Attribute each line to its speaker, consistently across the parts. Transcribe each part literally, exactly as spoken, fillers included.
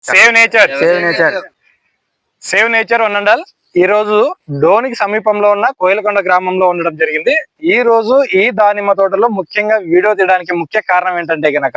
Speaker 1: Save nature
Speaker 2: save nature
Speaker 1: save nature వనండల్ ఈ రోజు డోనికి సమీపంలో ఉన్న కోయిలకొండ గ్రామంలో ఉండడం జరిగింది. ఈ రోజు ఈ దానిమ్మ తోటలో ముఖ్యంగా వీడియో తీయడానికి ముఖ్య కారణం ఏంటంటే గనక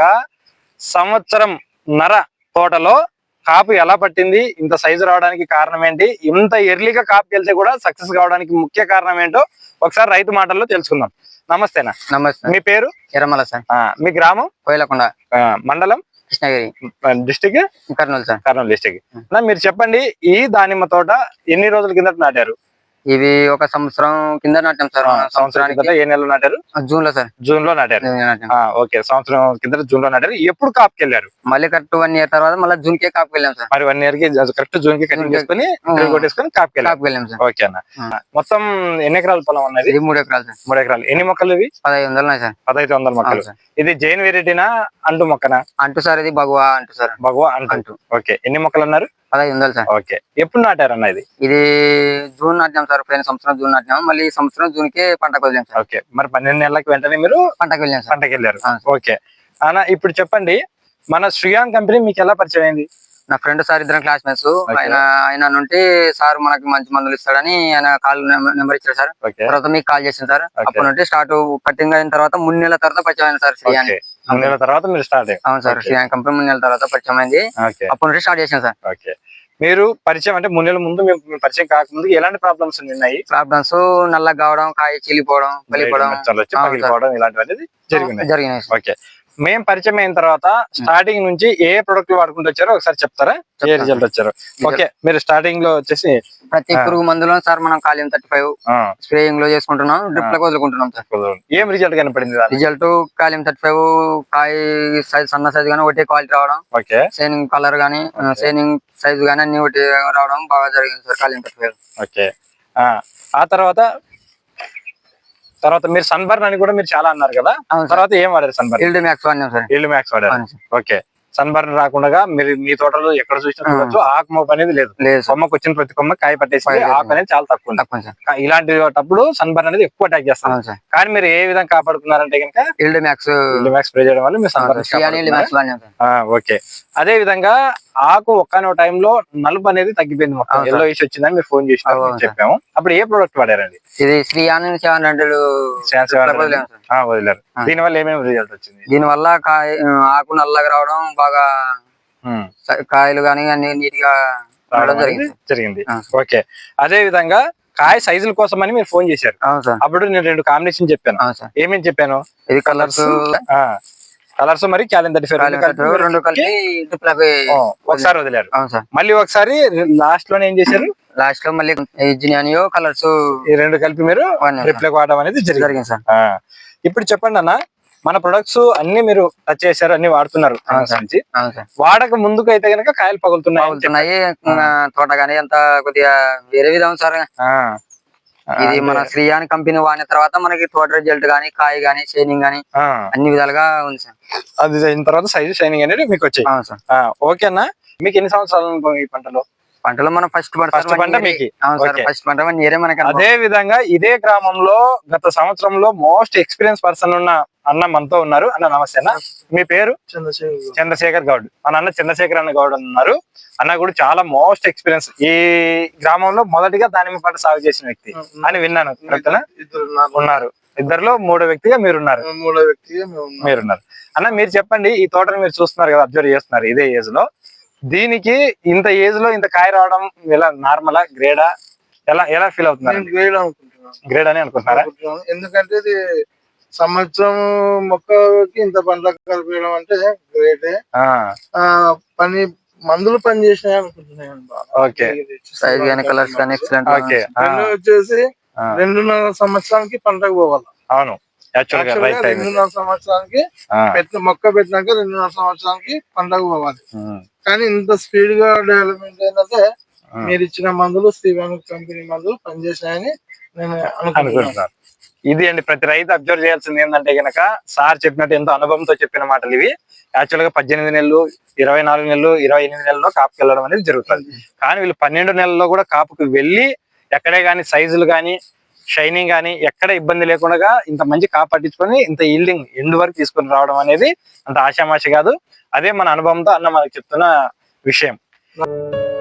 Speaker 1: సంవత్సరం నర తోటలో కాపు ఎలా పట్టింది, ఇంత సైజు రావడానికి కారణం ఏంటి, ఇంత ఎర్లీగా కాపు వెళ్తే కూడా సక్సెస్ కావడానికి ముఖ్య కారణం ఏంటో ఒకసారి రైతు మాటల్లో తెలుసుకుందాం. నమస్తేనా.
Speaker 2: నమస్తే.
Speaker 1: మీ పేరు?
Speaker 2: ఎర్రమల సార్.
Speaker 1: మీ గ్రామం?
Speaker 2: కోయిలకొండ.
Speaker 1: మండలం?
Speaker 2: Krishnagiri.
Speaker 1: District?
Speaker 2: Kurnool sir.
Speaker 1: Kurnool district. మీరు చెప్పండి, ఈ దానిమ్మ తోట ఎన్ని రోజుల కిందట నాటారు?
Speaker 2: ఇవి ఒక సంవత్సరం కింద నాటాం సార్.
Speaker 1: సంవత్సరానికి ఏ నెలలో నాటారు?
Speaker 2: జూన్ లో సార్.
Speaker 1: జూన్ లో నాటారు. ఓకే, సంవత్సరం కింద జూన్ లో నాటారు. ఎప్పుడు కాపుకి వెళ్ళారు?
Speaker 2: మళ్ళీ కరెక్ట్ వన్ ఇయర్ తర్వాత మళ్ళీ జూన్ కే కాపుకి వెళ్ళాం సార్.
Speaker 1: మరి వన్ ఇయర్ కి కరెక్ట్ జూన్ కి కటింగ్ చేసుకుని కొట్టేసుకుని కాపుకి
Speaker 2: వెళ్ళాం సార్.
Speaker 1: ఓకే అన్న. మొత్తం ఎన్ని ఎకరాల పొలం ఉన్నది?
Speaker 2: మూడు ఎకరాలు సార్.
Speaker 1: మూడు ఎకరాలు. ఎన్ని మొక్కలు ఇవి?
Speaker 2: పదహైదు వందలు ఉన్నాయి సార్.
Speaker 1: పదహైదు వందల మొక్కలు. ఇది జైన్ వెరైటీనా అంటు మొక్కనా?
Speaker 2: అంటు సార్. ఇది భగవా అంటు సార్.
Speaker 1: భగవా అంటు. ఓకే, ఎన్ని మొక్కలు అన్నారు?
Speaker 2: పదహైదు వందలు సార్.
Speaker 1: ఓకే, ఎప్పుడు నాటారు అన్న ఇది?
Speaker 2: ఇది జూన్ నాటినాం సార్. పోయిన సంవత్సరం జూన్ నాటినాం. మళ్ళీ సంవత్సరం జూన్ కి పంటకు వెళ్ళాం సార్.
Speaker 1: ఓకే, మరి పన్నెండు నెలలకు వెంటనే మీరు
Speaker 2: పంటకు వెళ్ళాం సార్.
Speaker 1: పంటకు వెళ్ళారు. ఓకే అన్న, ఇప్పుడు చెప్పండి, మన శ్రీయాన్ కంపెనీ మీకు ఎలా పరిచయం అయింది?
Speaker 2: నా ఫ్రెండ్ సార్, ఇద్దరం క్లాస్మేట్స్. ఆయన ఆయన నుండి సార్ మనకి మంచి మందులు ఇస్తాడని ఆయన కాల్ నెంబర్ ఇచ్చారు సార్. తర్వాత మీకు కాల్ చేసింది సార్. అప్పటి నుండి స్టార్ట్ కటింగ్ అయిన తర్వాత మూడు నెలల తర్వాత పరిచయం అయింది సార్ శ్రీయాన్.
Speaker 1: మూడు నెలల తర్వాత మీరు స్టార్ట్?
Speaker 2: అవును సార్, శ్రీయాన్ కంపెనీ మూడు నెలల తర్వాత పరిచయం అయింది. అప్పటి నుండి స్టార్ట్ చేసాం సార్.
Speaker 1: ఓకే, మీరు పరిచయం అంటే మూడు నెలల ముందు మేము పరిచయం కాకముందు ఎలాంటి ప్రాబ్లమ్స్ ఉన్నాయి?
Speaker 2: ప్రాబ్లమ్స్ నల్లగా కావడం, కాయ చీలిపోవడం, పలిపోవడం
Speaker 1: ఇలాంటివన్నీ జరిగినాయి.
Speaker 2: జరిగినాయి.
Speaker 1: ఓకే, మేము పరిచయం అయిన తర్వాత స్టార్టింగ్ నుంచి ఏ ప్రొడక్ట్ వాడుకుంటూ వచ్చారో ఒకసారి చెప్తారా? ఏ రిజల్ట్ వచ్చారు? ఓకే, మీరు స్టార్టింగ్ లో వచ్చేసి
Speaker 2: ప్రతి పురుగు మందులో సార్ మనం కాలియం థర్టీ ఫైవ్ స్ప్రేయింగ్ లో చేసుకుంటున్నాం, డ్రిప్ లో వదులుకుంటున్నాం సార్.
Speaker 1: ఏం రిజల్ట్ కనపడింది?
Speaker 2: రిజల్ట్ కాలియం థర్టీ ఫైవ్ కాయ సైజ్ సన్న సైజ్ గానీ ఒకటే క్వాలిటీ రావడం,
Speaker 1: ఓకే
Speaker 2: షైనింగ్ కలర్ గానీ షైనింగ్ సైజ్ గానీ అన్ని ఒకటి రావడం బాగా జరిగింది సార్ కాలియం థర్టీ ఫైవ్.
Speaker 1: ఓకే, ఆ తర్వాత తర్వాత మీరు సన్బర్న్ అని కూడా మీరు చాలా అన్నారు కదా, తర్వాత ఏం వాడారు? సన్బర్న్
Speaker 2: ఈల్డ్ మ్యాక్స్ వాడినాం సార్.
Speaker 1: ఈల్డ్ మ్యాక్స్ వాడారు. ఓకే, సన్బర్న్ రాకుండా మీరు మీ తోటలో ఎక్కడ చూసినా చూడొచ్చు, ఆకు మోపు అనేది లేదు. కొమ్మకు వచ్చిన ప్రతి కొమ్మ కాయ పట్టేసి ఆకు అనేది చాలా తక్కువ. ఇలాంటిప్పుడు సన్బర్న్ అనేది ఎక్కువ అటాక్ చేస్తాం. కానీ మీరు ఏ విధంగా కాపాడుకున్నారంటే కనుక
Speaker 2: yield max
Speaker 1: yield max spray చేయడం వల్ల మీరు సన్బర్న్. ఓకే, అదే విధంగా ఆకు ఒక్కనో టైంలో నలుపు అనేది తగ్గిపోయింది, మొత్తం ఎల్లో ఇష్యూ వచ్చిందని మీరు ఫోన్ చేసి చెప్పాము. అప్పుడు ఏ ప్రొడక్ట్ వాడారండి?
Speaker 2: ఇది శ్రీయాన్ సెవెన్ హండ్రెడ్
Speaker 1: వదిలేరు. దీని వల్ల ఏమేమి రిజల్ట్ వచ్చింది?
Speaker 2: దీని వల్ల కాయ ఆకు నల్లగా రావడం, బాగా కాయలు గానీ అన్ని నీట్ గా రావడం
Speaker 1: జరిగింది. ఓకే, అదే విధంగా కాయ సైజుల కోసం అని మీరు ఫోన్ చేశారు. అప్పుడు నేను రెండు కాంబినేషన్ చెప్పాను. ఏమేమి చెప్పాను?
Speaker 2: ఇది కలర్స్
Speaker 1: కలర్స్ మరి కాలియం థర్టీ ఫైవ్
Speaker 2: రెండు కలిపి
Speaker 1: ఒకసారి వదిలేరు. మళ్ళీ ఒకసారి లాస్ట్ లోనే ఏం చేశారు?
Speaker 2: లాస్ట్ లో మళ్ళీ జినియో కలర్స్
Speaker 1: ఈ రెండు కలిపి మీరు రిప్లైక్ వాడడం అనేది జరిగింది సార్. ఇప్పుడు చెప్పండి అన్న, మన ప్రొడక్ట్స్ అన్ని మీరు టచ్ చేశారు, అన్ని వాడుతున్నారు. వాడక ముందుకు అయితే కనుక కాయలు పగులుతున్నాయి,
Speaker 2: తోట గానీ అంత కొద్దిగా వేరే విధం సార్. ఇది మన శ్రీయాన్ కంపెనీ వాడిన తర్వాత మనకి తోట రిజల్ట్ గానీ, కాయ గానీ, షైనింగ్ గానీ అన్ని విధాలుగా ఉంది సార్.
Speaker 1: అది అయిన తర్వాత సైజు షైనింగ్ అనేది మీకు వచ్చాయి. ఓకే అన్న, మీకు ఎన్ని సంవత్సరాలు ఈ పంటలో?
Speaker 2: పంటలో మనం ఫస్ట్
Speaker 1: ఫస్ట్ పంట మీకు
Speaker 2: ఫస్ట్ పంట మనకి.
Speaker 1: అదే విధంగా ఇదే గ్రామంలో గత సంవత్సరంలో మోస్ట్ ఎక్స్పీరియన్స్ పర్సన్ ఉన్న అన్న మనతో ఉన్నారు. అన్న నమస్తే అన్న, మీ పేరు?
Speaker 3: చంద్రశేఖర్
Speaker 1: చంద్రశేఖర్ గౌడ్. మన అన్న చంద్రశేఖర్ అన్న గౌడ్ ఉన్నారు. అన్న కూడా చాలా మోస్ట్ ఎక్స్పీరియన్స్, ఈ గ్రామంలో మొదటిగా దానిమ్మ పంట సాగు చేసిన వ్యక్తి అని విన్నాను. ఉన్నారు, ఇద్దరులో మూడో వ్యక్తిగా మీరున్నారు.
Speaker 3: మూడో వ్యక్తిగా
Speaker 1: మీరున్నారు. అన్న మీరు చెప్పండి, ఈ తోటను మీరు చూస్తున్నారు కదా, అబ్జర్వ్ చేస్తున్నారు ఇదే ఏజ్ లో, దీనికి ఇంత ఏజ్ లో ఇంత కాయ రావడం ఎలా? నార్మలా, గ్రేడా, ఎలా ఎలా ఫీల్ అవుతున్నారు?
Speaker 3: గ్రేడ్ అనుకుంటున్నాను.
Speaker 1: గ్రేడ్ అని అనుకుంటున్నారా?
Speaker 3: ఎందుకంటే ఇది సంవత్సరం మొక్కకి ఇంత పండ్ల కలిపేయడం అంటే గ్రేటే. పని మందులు పని చేసినాయి అనుకుంటున్నాను.
Speaker 1: ఓకే,
Speaker 2: కలర్స్ కానీ ఎక్సలెంట్.
Speaker 1: ఓకే,
Speaker 3: వచ్చేసి రెండున్నర సంవత్సరానికి పంటకు పోవాలి.
Speaker 1: అవును,
Speaker 3: రెండున్నర సంవత్సరానికి పెట్టిన మొక్క పెట్టినాక రెండున్నర సంవత్సరానికి పంటకు పోవాలి. కానీ ఇంత స్పీడ్ గా డెవలప్మెంట్ ఏంటంటే మీరు ఇచ్చిన మందులు శ్రీవాన్ కంపెనీ మందులు పనిచేసినాయని నేను అనుకుంటున్నాను.
Speaker 1: ఇది అండి, ప్రతి రైతు అబ్జర్వ్ చేయాల్సింది ఏంటంటే గనక, సార్ చెప్పినట్టు ఎంతో అనుభవంతో చెప్పిన మాటలు ఇవి. యాక్చువల్ గా పద్దెనిమిది నెలలు, ఇరవై నాలుగు నెలలు, ఇరవై ఎనిమిది నెలల్లో కాపుకి వెళ్ళడం అనేది జరుగుతుంది. కానీ వీళ్ళు పన్నెండు నెలల్లో కూడా కాపుకి వెళ్ళి ఎక్కడే గానీ సైజులు గానీ, షైనింగ్ గానీ ఎక్కడ ఇబ్బంది లేకుండా ఇంత మంచి కాపు పట్టించుకొని ఇంత ఈల్డింగ్ ఎండ్ వరకు తీసుకొని రావడం అనేది అంత ఆషామాషి కాదు. అదే మన అనుభవంతో అన్న మనకు చెప్తున్న విషయం.